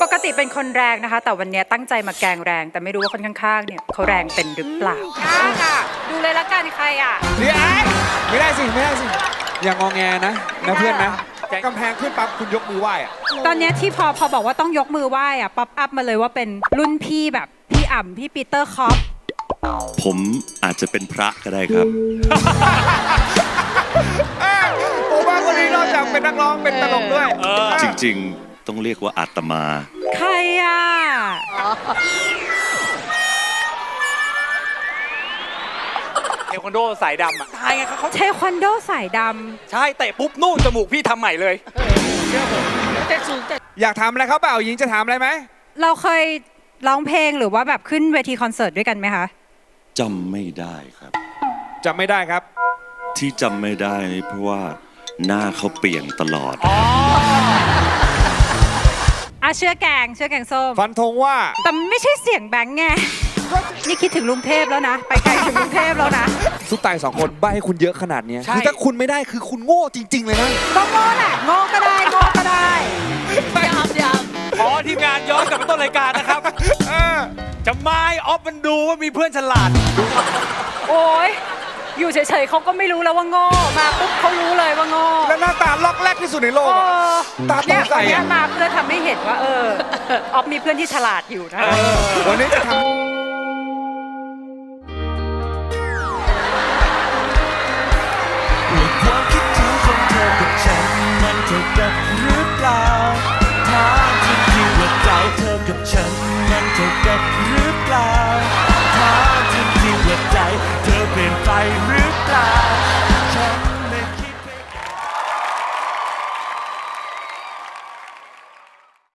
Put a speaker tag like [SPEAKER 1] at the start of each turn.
[SPEAKER 1] ปกติเป็นคนแรงนะคะ แต่วันนี้ตั้งใจมาแกล้งแรง แต่ไม่รู้ว่าคนข้างๆเนี่ยเขาแรงเป็นหรือเปล่าค่ะดูเลยละกันใครอ่ะ
[SPEAKER 2] เดี๋ยวไม่ได้สิอย่างงอแงนะเพื่อนนะ
[SPEAKER 3] กำแพงขึ้นปั๊บคุณยกมือไหว้อะ
[SPEAKER 1] ตอนเนี้ยที่พอบอกว่าต้องยกมือไหว้อ่ะป๊อปอัพมาเลยว่าเป็นรุ่นพี่แบบพี่อ่ำพี่ปีเตอร์คอป
[SPEAKER 4] ผมอาจจะเป็นพระก็ได้ครับ
[SPEAKER 3] ผมว่าคนนี้นอกจากเป็นนักร้องเป็นตลกด้วย
[SPEAKER 4] จริงๆ ต้องเรียกว่าอาตมา
[SPEAKER 1] ใครอ่ะ
[SPEAKER 5] เทควันโดสายดำอ่ะตายไงเขา
[SPEAKER 1] เทควันโดสายด
[SPEAKER 5] ใช่เตะปุ๊บนู่นจมูกพี่ทำใหม่เลยเชื่อผม
[SPEAKER 3] อยากถามอะไรเขาเปล่าหญิงจะถามอะไรไหม
[SPEAKER 1] ำเราเคยร้องเพลงหรือว่าแบบขึ้นเวทีคอนเสิร์ตด้วยกันไหมคะ
[SPEAKER 4] จำไม่ได้ครับ
[SPEAKER 3] จำไม่ได้ครับ
[SPEAKER 4] ที่จำไม่ได้นี่เพราะว่าหน้าเขาเปลี่ยนตลอด
[SPEAKER 1] เชื่อแกงส้ม
[SPEAKER 3] ฟันธงว่า
[SPEAKER 1] แต่ไม่ใช่เสียงแบงค์ไงนี่คิดถึงลุงเทพแล้วนะ ไปไกลถึงลุงเทพแล้วนะ
[SPEAKER 2] ซุปตาย2 คนใบให้คุณเยอะขนาดเนี้ยคือถ้าคุณไม่ได้คือคุณโง่จริง ๆ เลยนะ
[SPEAKER 1] ก็โง่แหละโง่ก็ได้โง่ก็ได้
[SPEAKER 5] ขอทีมงานย้อนกลับไปต้นรายการนะครับจะไม่ออฟมันดูว่ามีเพื่อนฉลาด
[SPEAKER 1] โอ้ยอยู่เฉยๆเขาก็ไม่รู้แล้วว่าโง่มาปุ๊บเขารู้เลยว่าโง่
[SPEAKER 3] แล้วหน้าตาล็อกแรกที่สุดในโลก
[SPEAKER 1] เอ
[SPEAKER 3] อะ
[SPEAKER 1] อ
[SPEAKER 3] ตาต้
[SPEAKER 1] เนี่
[SPEAKER 3] อย งใส่
[SPEAKER 1] วันเนี้ย
[SPEAKER 3] อะ
[SPEAKER 1] มาเพื่อทำให้เห็นว่าออฟมีเพื่อนที่ฉลาดอยู่นะ
[SPEAKER 3] วันนี้จะทำ